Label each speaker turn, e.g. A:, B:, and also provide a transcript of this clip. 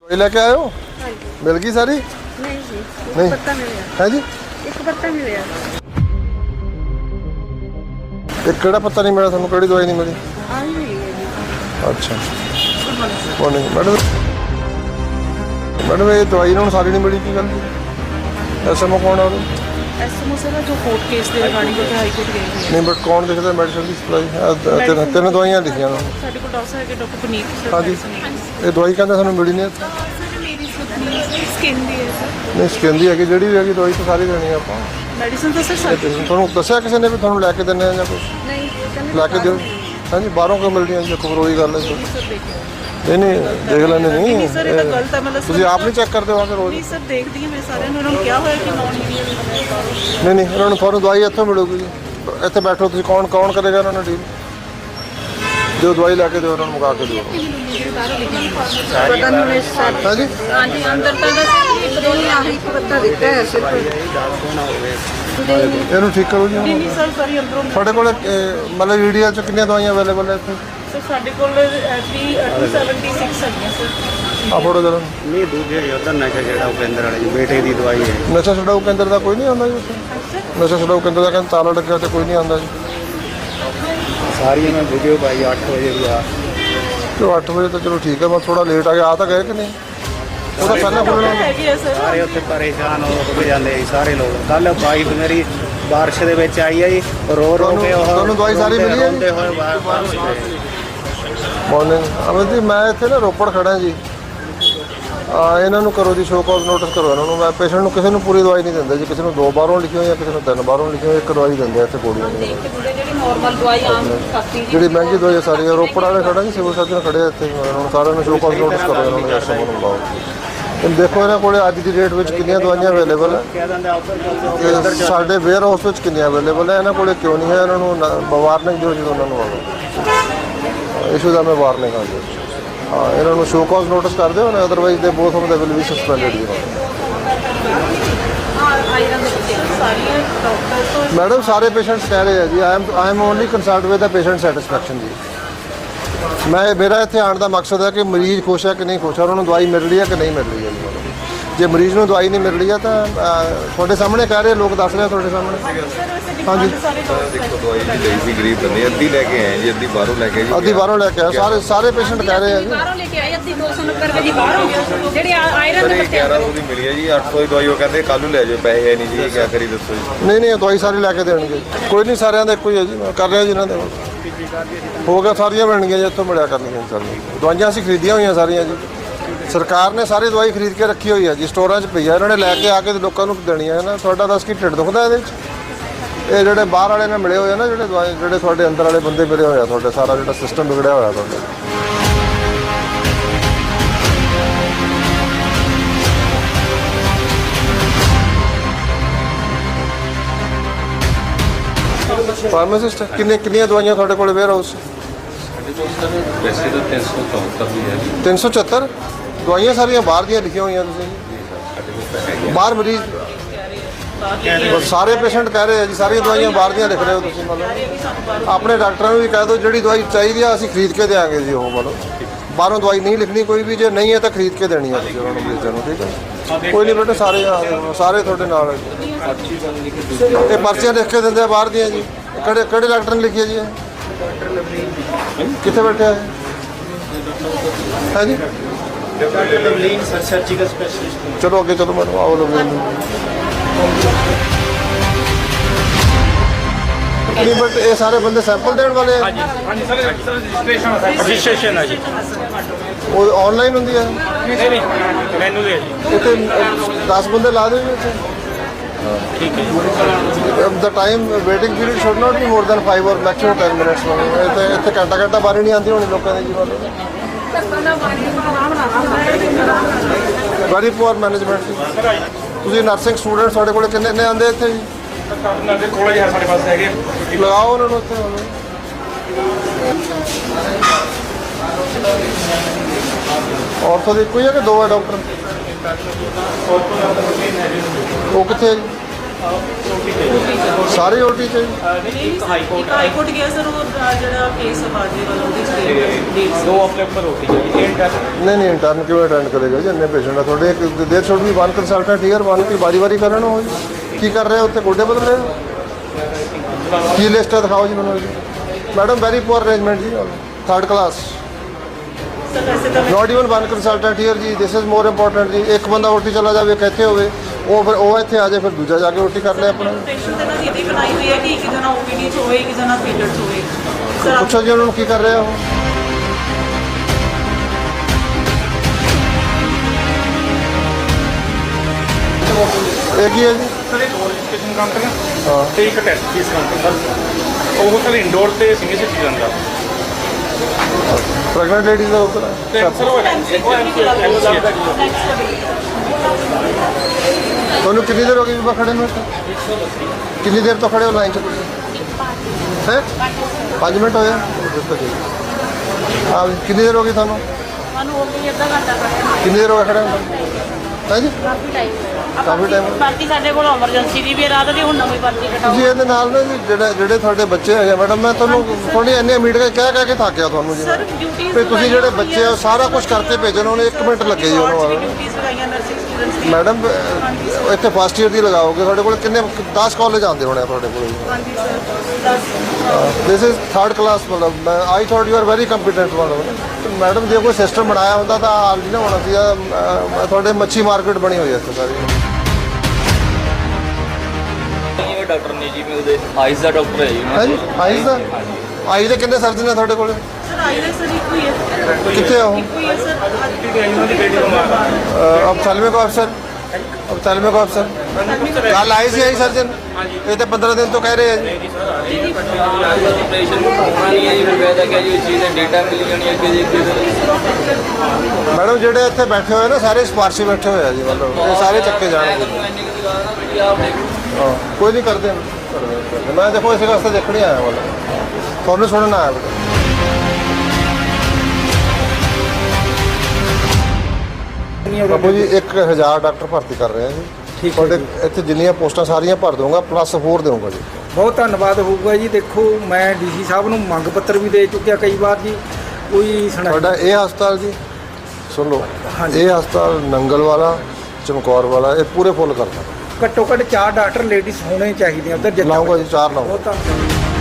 A: लेके आए हो? मिल गई सारी?
B: नहीं जी,
A: नहीं।
B: पत्ता मिले
A: है जी?
B: एक पत्ता मिले
A: एक केड़ा पत्ता नहीं मिला थानू? केड़ी दवाई नहीं मिली?
B: आई नहीं है जी।
A: अच्छा मॉर्निंग मैडम। मैडम ये दवाई इन्होंने सारी नहीं मिली की गल जी? एसएमओ कौन है?
B: एसएमओ सर जो कोर्ट केस ਦੇ ਰਿਗਾਰਡਿੰਗ ਉਹ ਹਾਈ ਕੋਰਟ ਗਏ ਹੋਏ
A: नहीं बट कौन देखता मेडिसिन की सप्लाई? तीन दवाइयां लिखियां
B: ਆ ਸਾਡੇ ਕੋਲ ਡਾਕਟਰ ਹੈਗੇ ਡਾਕਟਰ ਪੁਨੀਤ ਸਰ
A: हाँ जी ये दवाई कहते सानू मिली नहीं इत्थे।
B: ਮੇਰੀ ਸਕਿਨ ਦੀ ਹੈ ਸਰ
A: नहीं स्किन दी हैगी ਜਿਹੜੀ ਵੀ ਹੈਗੀ ਦਵਾਈ ਤਾਂ ਸਾਰੀ ਦੇਣੀ ਆਪਾਂ।
B: ਮੈਡੀਸਨ ਤਾਂ ਸਰ
A: ਤੁਹਾਨੂੰ ਦੱਸਿਆ ਕਿਸੇ ਨੇ ਵੀ ਤੁਹਾਨੂੰ ਲੈ ਕੇ ਦਿੰਨੇ ਆ ਜਾਂ ਕੁਝ?
B: ਨਹੀਂ
A: ਲੈ ਕੇ ਦਿਓ। ਹਾਂਜੀ ਬਾਹਰੋਂ ਕਿਉਂ ਮਿਲਦੀਆਂ ਜੀ? ਖਬਰ ਉਹੀ ਗੱਲ ਹੈ ਜੀ।
B: ਸਰ ਦੇਖਿਓ
A: ਨਹੀਂ ਦੇਖ ਲੈਣੇ
B: ਨਹੀਂ
A: ਨਹੀਂ
B: ਸਰ ਇਹ ਤਾਂ ਗਲਤ ਹੈ ਮਤਲਬ
A: ਤੁਸੀਂ ਆਪ ਨਹੀਂ ਚੈੱਕ ਕਰਦੇ ਹੋ ਆ ਕੇ ਰੋਜ਼?
B: ਨਹੀਂ ਸਰ ਦੇਖਦੀ ਹਾਂ ਮੈਂ ਸਾਰਿਆਂ ਨੂੰ ਉਹਨਾਂ ਨੂੰ ਕਿਹਾ ਹੋਇਆ ਕਿ ਨੌਨ ਮੀਡੀਆ
A: ਨਹੀਂ ਉਹਨਾਂ ਨੂੰ ਤੁਹਾਨੂੰ ਦਵਾਈ ਇੱਥੋਂ ਮਿਲੂਗੀ ਜੀ। ਇੱਥੇ ਬੈਠੋ ਤੁਸੀਂ। ਕੌਣ ਕਰੇਗਾ ਉਹਨਾਂ ਨੂੰ ਡੀਲ? ਜੋ ਦਵਾਈ ਲੈ ਕੇ ਦਿਓ ਉਹਨਾਂ ਨੂੰ ਮੁਕਾ ਕੇ ਦਿਓ।
B: ਪਤਾ ਨਹੀਂ ਸਰ
A: ਹਾਂਜੀ
B: ਹਾਂਜੀ ਅੰਦਰ ਤਾਂ ਬਸ ਇੱਕ ਦੋ ਹੀ ਆਹੀ ਪੱਤਾ ਦਿੱਤਾ ਹੈ ਸਿਰਫ
A: ਇਹਨੂੰ ਠੀਕ ਕਰੋ ਜੀ।
B: ਨਹੀਂ ਸਰ ਸਾਰੀ ਅੰਦਰੋਂ
A: ਤੁਹਾਡੇ ਕੋਲ ਮਤਲਬ ਈਡੀਐਲ ਚ ਕਿੰਨੀਆਂ ਦਵਾਈਆਂ ਅਵੇਲੇਬਲ ਹੈ ਇੱਥੇ?
B: ਸਰ ਸਾਡੇ ਕੋਲ 276 ਹੈਗੀਆਂ ਸਰ
A: ਆ ਫੋਟੋ ਜਰਾ।
C: ਨਹੀਂ ਦੂਜੇ ਉਧਰ ਨਸ਼ਾ ਛਡਾਊ ਕੇਂਦਰ ਵਾਲੇ ਜੀ ਬੇਟੇ ਦੀ ਦਵਾਈ ਹੈ।
A: ਨਸ਼ਾ ਛਡਾਊ ਕੇਂਦਰ ਦਾ ਕੋਈ ਨਹੀਂ ਆਉਂਦਾ ਜੀ ਉੱਥੇ? ਨਸ਼ਾ ਛਡਾਊ ਕੇਂਦਰ ਦਾ ਕਹਿੰਦੇ ਤਾਲਾ ਲੱਗਿਆ ਤੇ ਕੋਈ ਨਹੀਂ ਆਉਂਦਾ ਜੀ।
C: ਸਾਰੀਆਂ ਮੈਂ ਵੀਡੀਓ ਪਾਈ 8 ਵਜੇ ਦੀ ਆ।
A: ਚਲੋ 8 ਵਜੇ ਤਾਂ ਚਲੋ ਠੀਕ ਹੈ। ਮੈਂ ਥੋੜਾ ਲੇਟ ਆ ਗਿਆ। ਆ ਤਾਂ ਗਏ ਕਿ ਨਹੀਂ? ਉਹ ਤਾਂ ਪਹਿਲਾਂ ਖੁੱਲਣਾ ਹੁੰਦਾ।
B: ਹੈਗੀ ਹੈ ਸਰ
C: ਸਾਰੇ ਉੱਥੇ ਪਰੇਸ਼ਾਨ ਹੋ ਜਾਂਦੇ ਸੀ ਸਾਰੇ ਲੋਕ। ਕੱਲ ਬਾਈਕ ਮੇਰੀ ਬਾਰਿਸ਼ ਦੇ ਵਿੱਚ ਆਈ ਹੈ ਜੀ ਰੋ ਕੇ ਉਹ
A: ਤੁਹਾਨੂੰ ਦਵਾਈ ਸਾਰੀ ਮਿਲੀ ਹੈ ਜੀ?
C: ਰੋਂਦੇ ਹੋਏ ਬਾਹਰ
A: ਮਾਰਨਿੰਗ ਅਮਨ ਜੀ ਮੈਂ ਇੱਥੇ ਨਾ ਰੋਪੜ ਖੜਾ ਜੀ। ਇਹਨਾਂ ਨੂੰ ਕਰੋ ਜੀ ਸ਼ੋ ਕਾਜ਼ ਨੋਟਿਸ ਕਰੋ ਇਹਨਾਂ ਨੂੰ। ਮੈਂ ਪੇਸ਼ੈਂਟ ਨੂੰ ਕਿਸੇ ਨੂੰ ਪੂਰੀ ਦਵਾਈ ਨਹੀਂ ਦਿੰਦਾ ਜੀ। ਕਿਸੇ ਨੂੰ 2 ਬਾਹਰੋਂ ਲਿਖਿਓ ਜਾਂ ਕਿਸੇ ਨੂੰ 3 ਬਾਹਰੋਂ ਲਿਖਿਓ। ਇੱਕ ਦਵਾਈ ਦਿੰਦੇ ਆ ਇੱਥੇ ਗੋਲੀਆਂ ਦੀ।
B: ਜਿਹੜੀ ਨਾਰਮਲ ਦਵਾਈ ਆਮ ਖਾਤੀ
A: ਜਿਹੜੀ ਮਹਿੰਗੀ ਦਵਾਈ ਹੈ ਸਾਰੀ ਰੋਪੜ ਵਾਲੇ ਖੜਾ ਜੀ। ਸਿਵਲ ਸਰਜਨ ਖੜੇ ਆ ਇੱਥੇ। ਇਹਨਾਂ ਨੂੰ ਸਾਰਿਆਂ ਨੂੰ ਸ਼ੋ ਕਾਜ਼ ਨੋਟਿਸ ਕਰੋ ਇਹਨਾਂ ਨੂੰ। ਐਸਐਮਓ ਨੂੰ ਬੁਲਾਓ। ਹੁਣ ਦੇਖੋ ਇਹਨਾਂ ਕੋਲੇ ਅੱਜ ਦੀ ਡੇਟ ਵਿੱਚ ਕਿੰਨੀਆਂ ਦਵਾਈਆਂ ਅਵੇਲੇਬਲ ਹੈ
C: ਕਹਿ ਦਿੰਦੇ ਉੱਧਰ
A: ਤੇ ਸਾਡੇ ਵੇਅਰ ਹਾਊਸ ਵਿੱਚ ਕਿੰਨੀਆਂ ਅਵੇਲੇਬਲ ਹੈ। ਇਹਨਾਂ ਕੋਲੇ ਕਿਉਂ ਨਹੀਂ ਹੈ? ਇਹਨਾਂ ਨੂੰ ਵਾਰਨਿੰਗ ਦਿਓ ਜਦੋਂ ਉਹਨਾਂ ਨੂੰ ਆਵੇ। ਇਸ਼ੂ ਦਾ ਮੈਂ ਵਾਰਨਿੰਗ ਆ ਜੀ। ਹਾਂ ਇਹਨਾਂ ਨੂੰ ਸ਼ੋ ਕਾਜ਼ ਨੋਟਿਸ ਕਰ ਦਿਓ ਨਾ। Otherwise they both of they will be suspended ਜੀ। ਮੈਡਮ ਸਾਰੇ ਪੇਸ਼ੈਂਟਸ ਕਹਿ ਰਹੇ ਆ ਜੀ I am only concerned with the patient satisfaction ਜੀ। ਮੇਰਾ ਇੱਥੇ ਆਉਣ ਦਾ ਮਕਸਦ ਹੈ ਕਿ ਮਰੀਜ਼ ਖੁਸ਼ ਹੈ ਕਿ ਨਹੀਂ ਖੁਸ਼ ਹੈ, ਉਹਨਾਂ ਨੂੰ ਦਵਾਈ ਮਿਲ ਰਹੀ ਹੈ ਕਿ ਨਹੀਂ ਮਿਲ ਰਹੀ ਹੈ। ਜੇ ਮਰੀਜ਼ ਨੂੰ ਦਵਾਈ ਨਹੀਂ ਮਿਲ ਰਹੀ ਹੈ ਤਾਂ ਤੁਹਾਡੇ ਸਾਹਮਣੇ ਕਹਿ ਰਹੇ ਲੋਕ ਦੱਸ ਰਹੇ ਤੁਹਾਡੇ ਸਾਹਮਣੇ। ਹਾਂਜੀ
D: ਦੇਖੋ ਦਵਾਈ ਦੀ ਲਈ ਸੀ ਗਰੀਬ ਬੰਦੇ ਅੱਧੀ ਲੈ ਕੇ ਆਏ ਜੀ ਅੱਧੀ ਬਾਹਰੋਂ ਲੈ ਕੇ ਜੀ।
A: ਅੱਧੀ ਬਾਹਰੋਂ ਲੈ ਕੇ ਆਏ ਸਾਰੇ ਪੇਸ਼ੈਂਟ ਕਹਿ ਰਹੇ ਆ ਜੀ।
B: ਬਾਹਰੋਂ ਲੈ ਕੇ ਆਏ ਅੱਧੀ 290 ਰੁਪਏ ਦੀ ਬਾਹਰੋਂ ਜਿਹੜੇ ਆਇਰਨ
D: ਸਰ
B: ਦੇ
D: ਇਹ 1100 ਦੀ ਮਿਲੀ ਹੈ ਜੀ। 800 ਦੀ ਦਵਾਈ ਉਹ ਕਹਿੰਦੇ ਕੱਲ੍ਹ ਨੂੰ ਲੈ ਜਾਓ। ਪੈਸੇ ਹੈ ਨਹੀਂ ਜੀ ਕੀ ਕਰੀ ਦੱਸੋ ਜੀ।
A: ਨਹੀਂ ਦਵਾਈ ਸਾਰੀ ਲੈ ਕੇ ਦੇਣਗੇ। ਕੋਈ ਨਹੀਂ ਸਾਰਿਆਂ ਦਾ ਇੱਕੋ ਹੀ ਹੈ ਜੀ। ਮੈਂ ਕਰ ਰਿਹਾ ਜੀ ਇਹਨਾਂ ਦੇ ਹੋ ਗਿਆ। ਸਾਰੀਆਂ ਮਿਲਣਗੀਆਂ ਜੀ ਇੱਥੋਂ ਮਿਲਿਆ ਕਰਨਗੀਆਂ ਸਾਰੀਆਂ ਦਵਾਈਆਂ। ਅਸੀਂ ਖਰੀਦੀਆਂ ਹੋਈਆਂ ਸਾਰੀਆਂ ਜੀ। ਸਰਕਾਰ ਨੇ ਸਾਰੀ ਦਵਾਈ ਖਰੀਦ ਕੇ ਰੱਖੀ ਹੋਈ ਹੈ ਜੀ। ਸਟੋਰਾਂ 'ਚ ਪਈ ਹੈ। ਇਹਨਾਂ ਨੇ ਲੈ ਕੇ ਆ ਕੇ ਲੋਕਾਂ ਨੂੰ ਦੇਣੀ ਹੈ ਨਾ। ਤੁਹਾਡਾ ਦੱਸ ਕੀ ਢਿੱਡ ਦੁਖਦਾ ਇਹਦੇ 'ਚ? ਇਹ ਜਿਹੜੇ ਬਾਹਰ ਵਾਲੇ ਨਾਲ ਮਿਲੇ ਹੋਏ ਆ ਨਾ ਜਿਹੜੇ ਤੁਹਾਡੇ ਅੰਦਰ ਵਾਲੇ ਬੰਦੇ ਮਿਲੇ ਹੋਏ ਆ ਤੁਹਾਡੇ ਸਾਰਾ ਜਿਹੜਾ ਸਿਸਟਮ ਵਿਗੜਿਆ ਹੋਇਆ ਤੁਹਾਡਾ। ਫਾਰਮਾਸਿਸਟ ਕਿੰਨੀਆਂ ਦਵਾਈਆਂ ਤੁਹਾਡੇ ਕੋਲ ਵੇਅਰ ਹਾਊਸ?
D: ਵੈਸੇ ਤਾਂ 374 ਵੀ ਹੈ ਜੀ।
A: 374 ਦਵਾਈਆਂ ਸਾਰੀਆਂ ਬਾਹਰ ਦੀਆਂ ਲਿਖੀਆਂ ਹੋਈਆਂ ਤੁਸੀਂ? ਬਾਹਰ ਮਰੀਜ਼ ਸਾਰੇ ਪੇਸ਼ੈਂਟ ਕਹਿ ਰਹੇ ਆ ਜੀ ਸਾਰੀਆਂ ਦਵਾਈਆਂ ਬਾਹਰ ਦੀਆਂ ਲਿਖ ਰਹੇ ਹੋ ਤੁਸੀਂ? ਮਤਲਬ ਆਪਣੇ ਡਾਕਟਰਾਂ ਨੂੰ ਵੀ ਕਹਿ ਦਿਓ ਜਿਹੜੀ ਦਵਾਈ ਚਾਹੀਦੀ ਆ ਅਸੀਂ ਖਰੀਦ ਕੇ ਦੇਵਾਂਗੇ ਜੀ। ਉਹ ਮਤਲਬ ਬਾਹਰੋਂ ਦਵਾਈ ਨਹੀਂ ਲਿਖਣੀ ਕੋਈ ਵੀ। ਜੇ ਨਹੀਂ ਹੈ ਤਾਂ ਖਰੀਦ ਕੇ ਦੇਣੀ ਆ ਤੁਸੀਂ ਉਹਨਾਂ ਨੂੰ ਮਰੀਜ਼ਾਂ ਨੂੰ। ਠੀਕ ਹੈ ਕੋਈ ਨਹੀਂ ਬੇਟਾ ਸਾਰੇ ਤੁਹਾਡੇ ਨਾਲ ਇਹ ਪਰਚੀਆਂ ਲਿਖ ਕੇ ਦਿੰਦੇ ਆ ਬਾਹਰ ਦੀਆਂ ਜੀ। ਕਿਹੜੇ ਡਾਕਟਰ ਨੇ ਲਿਖੀ ਹੈ ਜੀ ਇਹ? ਕਿੱਥੇ ਬੈਠਿਆ ਹੈ? ਹੈ ਜੀ
C: ਡਾਕਟਰ ਲਵਲੀਨ ਸਰਜੀਕਲ ਸਪੈਸ਼ਲਿਸਟ।
A: ਚਲੋ ਅੱਗੇ ਚਲੋ ਮੈਨੂੰ ਆਓ ਲਵਲੀਨ। ਨਹੀਂ ਬਟ ਇਹ ਸਾਰੇ ਬੰਦੇ ਸੈਂਪਲ ਦੇਣ ਵਾਲੇ ਆ?
E: ਹਾਂਜੀ ਸਰ ਰਜਿਸਟ੍ਰੇਸ਼ਨ ਹੈ ਜੀ।
A: ਉਹ ਆਨਲਾਈਨ ਹੁੰਦੀ ਹੈ?
E: ਨਹੀਂ ਮੈਨੂੰ ਦੇ ਜੀ।
A: ਇੱਥੇ 10 ਬੰਦੇ ਲਾ ਦਿਓ ਜੀ ਇੱਥੇ।
E: ਠੀਕ ਹੈ ਜੀ।
A: The time waiting period should not be more than 5 or maximum 10 minutes। ਇੱਥੇ ਘੰਟਾ ਬਾਰੀ ਨਹੀਂ ਆਉਂਦੀ ਹੋਣੀ ਲੋਕਾਂ ਦੀ ਜੀ। ਵੈਰੀ ਪੂਅਰ ਮੈਨੇਜਮੈਂਟ ਜੀ। ਤੁਸੀਂ ਨਰਸਿੰਗ ਸਟੂਡੈਂਟ ਤੁਹਾਡੇ ਕੋਲ ਕਿੰਨੇ ਆਉਂਦੇ ਇੱਥੇ ਜੀ?
E: ਦੇ ਕੋਲ ਜੀ ਸਾਡੇ ਪਾਸ ਹੈਗੇ।
A: ਲਗਾਓ ਉਹਨਾਂ ਨੂੰ ਉੱਥੇ। ਔਰਥੋ ਦੇ ਇੱਕੋ ਹੀ ਹੈ ਕਿ ਦੋ ਹੈ ਡਾਕਟਰ? ਉਹ ਕਿੱਥੇ ਹੈ ਜੀ? ਸਾਰੇ ਓਟੀ ਚ ਜੀ?
B: ਇੱਕ ਹਾਈ ਕੋਰਟ ਗਿਆ ਸਰ ਉਹ ਜਿਹੜਾ ਕੇਸ ਬਾਜੀ ਵਾਲਾ ਉਹਦੀ ਡੇਟ
E: ਦੋ ਆਪਣੇ ਉੱਪਰ ਹੋਤੀ ਹੈ ਇੰਟਰ
A: ਨਹੀਂ ਇੰਟਰਨ ਕਿਉਂ ਅਟੈਂਡ ਕਰੇਗਾ ਜੀ? ਇੰਨੇ ਪੇਸ਼ੈਂਟ ਆ ਤੁਹਾਡੇ, there should be 1 consultant here, 1 ਕੀ ਵਾਰੀ ਕਰਨ ਹੋ ਜੀ? ਕੀ ਕਰ ਰਹੇ ਹੋ ਉੱਥੇ? ਗੋਡੇ ਬਦਲ ਰਹੇ ਹੋ? ਕੀ ਲਿਸਟ ਹੈ ਦਿਖਾਓ ਜੀ ਮੈਨੂੰ ਜੀ। ਮੈਡਮ ਵੈਰੀ ਪੂਅਰ ਅਰੇਂਜਮੈਂਟ ਜੀ, 3rd ਕਲਾਸ,
B: ਸਰ ਵੈਸੇ ਤਾਂ
A: ਨਾਟ ਈਵਨ 1 ਕੰਸਲਟੈਂਟ ਹੀਅਰ ਜੀ। ਦਿਸ ਇਜ਼ ਮੋਰ ਇੰਪੋਰਟੈਂਟ ਜੀ। ਇੱਕ ਬੰਦਾ ਓਟੀ ਚਲਾ ਜਾਵੇ, ਇੱਕ ਇੱਥੇ ਹੋਵੇ, ਉਹ ਫਿਰ ਉਹ ਇੱਥੇ ਆ ਜਾਏ, ਫਿਰ ਦੂਜਾ ਜਾ ਕੇ ਓਟੀ ਕਰ ਲੈ ਆਪਣਾ।
B: ਪੇਸ਼ੈਂਟ ਦੇ ਨਾਲ ਇਹਦੀ ਬਣਾਈ ਹੋਈ ਹੈ ਕਿ ਇੱਕ ਜਣਾ ਓਪੀਡੀ 'ਚ ਹੋਏ, ਇੱਕ ਜਣਾ ਥੀਏਟਰ 'ਚ ਹੋਏ। ਸਰ ਆਪ
A: ਪੁੱਛੋ ਜੀ ਉਹਨਾਂ ਨੂੰ ਕੀ ਕਰ ਰਿਹਾ ਉਹ। ਇਹ ਕੀ ਹੈ ਜੀ?
E: ਸਰ ਇੱਕ ਰਜਿਸਟ੍ਰੇਸ਼ਨ ਕਾਊਂਟਰ ਹੈ
A: ਹਾਂ
E: ਤੇ ਇੱਕ ਟੈਸਟ ਫੀਸ ਕਾਊਂਟਰ ਸਰ। ਉਹ ਸਰ ਇੰਡੋਰ ਤੇ ਸਿੰਗਲ ਸਿਟੀਜ਼ਨ ਦਾ
A: ਪ੍ਰੈਗਨੈਂਟ ਲੇਡੀਜ਼ ਦਾ ਉੱਧਰ
E: ਤੇ ਸਰ ਉਹ ਐਮਸੀ
A: ਤੁਹਾਨੂੰ ਕਿੰਨੀ ਦੇਰ ਹੋ ਗਈ ਬੀਬਾ ਖੜੇ ਨੂੰ ਇੱਥੇ? ਕਿੰਨੀ ਦੇਰ ਤੋਂ ਖੜੇ ਹੋ ਲਾਈਨ 'ਚ ਤੁਸੀਂ? ਹੈ 5 ਮਿੰਟ ਹੋਏ ਆ? ਦੱਸੋ ਜੀ। ਹਾਂ ਜੀ, ਕਿੰਨੀ ਦੇਰ ਹੋ ਗਈ ਤੁਹਾਨੂੰ?
B: ਸਾਨੂੰ ਹੋ ਗਈ ਅੱਧਾ ਘੰਟਾ ਖੜੇ
A: ਕਿੰਨੀ ਦੇਰ ਹੋ ਗਈ ਖੜੇ ਨੂੰ? ਹੈ ਜੀ
B: ਕਾਫੀ ਟਾਈਮ
A: ਕਾਫੀ ਟਾਈਮ।
B: ਭਰਤੀ ਸਾਡੇ ਕੋਲ ਐਮਰਜੈਂਸੀ ਦੀ ਵੀ ਹੈ, ਰਾਤ ਦੀ ਹੁਣ ਨਵੀਂ ਭਰਤੀ ਕਟਾਓ।
A: ਤੁਸੀਂ ਇਹਦੇ ਨਾਲ ਨਾ ਜੀ ਜਿਹੜੇ ਤੁਹਾਡੇ ਬੱਚੇ ਹੈਗੇ ਮੈਡਮ, ਮੈਂ ਤੁਹਾਨੂੰ ਥੋੜੀ ਇੰਨੇ ਮੀਟਿੰਗ ਕਹਿ ਕੇ ਥੱਕ ਗਿਆ ਤੁਹਾਨੂੰ ਜੀ।
B: ਸਰ ਡਿਊਟੀਆਂ
A: ਤੇ ਤੁਸੀਂ ਜਿਹੜੇ ਬੱਚੇ ਆ ਉਹ ਸਾਰਾ ਕੁਝ ਕਰਕੇ ਭੇਜਣ, ਉਹਨੇ 1 ਮਿੰਟ ਲੱਗੇ ਜੀ ਉਹਨੂੰ।
B: ਡਿਊਟੀਆਂ ਲਗਾਈਆਂ ਨਰਸਿੰਗ ਸਟੂਡੈਂਟਸ ਦੀ।
A: ਮੈਡਮ ਇੱਥੇ ਫਸਟ ਈਅਰ ਦੀ ਲਗਾਓਗੇ, ਤੁਹਾਡੇ ਕੋਲ ਕਿੰਨੇ 10 ਕਾਲਜ ਆਉਂਦੇ ਹੋਣੇ ਆ ਤੁਹਾਡੇ ਕੋਲ।
B: ਹਾਂਜੀ sir 10
A: this is 3rd class, ਮਤਲਬ I thought you are very competent ਮਤਲਬ। ਮੈਡਮ ਜੇ ਕੋਈ ਸਿਸਟਮ ਬਣਾਇਆ ਹੁੰਦਾ ਤਾਂ ਹਾਲ ਨਹੀਂ ਨਾ ਹੋਣਾ ਸੀ। ਤੁਹਾਡੇ ਮੱਛੀ ਮਾਰਕੀਟ ਬਣੀ ਹੋਈ ਹੈ ਇੱਥੇ ਸਾਰੀ।
F: ਇਹ ਡਾਕਟਰ ਨੇ ਜੀ, ਮੈਂ ਉਹਦੇ ਆਈਜ਼ ਦਾ ਡਾਕਟਰ ਹੈ ਜੀ।
A: ਹੈ ਜੀ ਆਈਜ਼ ਦਾ? ਆਈਜ਼ ਦੇ ਕਿੰਨੇ ਸਰਜਨ ਨੇ ਤੁਹਾਡੇ ਕੋਲ?
B: ਸਰ ਆਈ ਸਰ ਇੱਕੋ ਹੀ ਹੈ।
A: ਕਿੱਥੇ ਆ ਉਹ?
B: ਇੱਕੋ ਹੀ ਹੈ ਸਰ।
E: ਇਹਨਾਂ ਦੀ ਬੇਟੀ ਨੂੰ
A: ਅਫਸਲਮੇ ਕੋ ਅਫਸਰ, ਅਫਸਲਮੇ ਕੋ ਅਫਸਰ ਕੱਲ ਆਏ ਸੀ ਆਈ ਸਰਜਨ? ਇਹ ਤਾਂ 15 ਦਿਨ ਤੋਂ ਕਹਿ ਰਹੇ ਆ ਜੀ।
F: ਆਪਰੇਸ਼ਨ ਹੋਣਾ ਨਹੀਂ ਹੈ ਜੀ, ਫਿਰ ਵੈਦਾ ਕਿਹਾ ਜੀ ਉਸ ਚੀਜ਼ ਦਾ ਡੇਟਾ ਮਿਲ ਜਾਣੀ ਅੱਗੇ ਜੀ ਅੱਗੇ।
A: ਮੈਡਮ ਜਿਹੜੇ ਇੱਥੇ ਬੈਠੇ ਹੋਏ ਨਾ ਸਾਰੇ ਸਿਫਾਰਸ਼ੀ ਬੈਠੇ ਹੋਏ ਆ ਜੀ, ਮਤਲਬ ਇਹ ਸਾਰੇ ਚੱਕੇ ਜਾਣਗੇ। ਹਾਂ ਕੋਈ ਨਹੀਂ ਕਰਦੇ। ਮੈਂ ਦੇਖੋ ਇਸੇ ਵਾਸਤੇ ਦੇਖਣ ਹੀ ਆਇਆ, ਮਤਲਬ ਤੁਹਾਨੂੰ ਸੁਣਨ ਆਇਆ ਬੇਟਾ। ਬਾਬੂ ਜੀ 1000 ਡਾਕਟਰ ਭਰਤੀ ਕਰ ਰਹੇ ਆ ਜੀ। ਤੁਹਾਡੇ ਇੱਥੇ ਜਿੰਨੀਆਂ ਪੋਸਟਾਂ ਸਾਰੀਆਂ ਭਰ ਦਊਂਗਾ, ਪਲੱਸ ਹੋਰ ਦੇਵਾਂਗਾ ਜੀ।
G: ਬਹੁਤ ਧੰਨਵਾਦ ਹੋਊਗਾ ਜੀ। ਦੇਖੋ ਮੈਂ ਡੀਸੀ ਸਾਹਿਬ ਨੂੰ ਮੰਗ ਪੱਤਰ ਵੀ ਦੇ ਚੁੱਕਿਆ ਕਈ ਵਾਰ ਜੀ, ਕੋਈ ਸੁਣਾਈ।
A: ਤੁਹਾਡਾ ਇਹ ਹਸਪਤਾਲ ਜੀ ਸੁਣ ਲਓ, ਇਹ ਹਸਪਤਾਲ ਨੰਗਲ ਵਾਲਾ, ਚਮਕੌਰ ਵਾਲਾ, ਇਹ ਪੂਰੇ ਫੁੱਲ ਕਰਦਾ।
G: ਘੱਟੋ ਘੱਟ 4 ਡਾਕਟਰ ਲੇਡੀਜ਼ ਹੋਣੇ ਚਾਹੀਦੇ ਆ ਉੱਧਰ।
A: ਲਾਊਂਗਾ ਜੀ, 4 ਲਾਊਂਗਾ।
G: ਬਹੁਤ ਧੰਨਵਾਦ।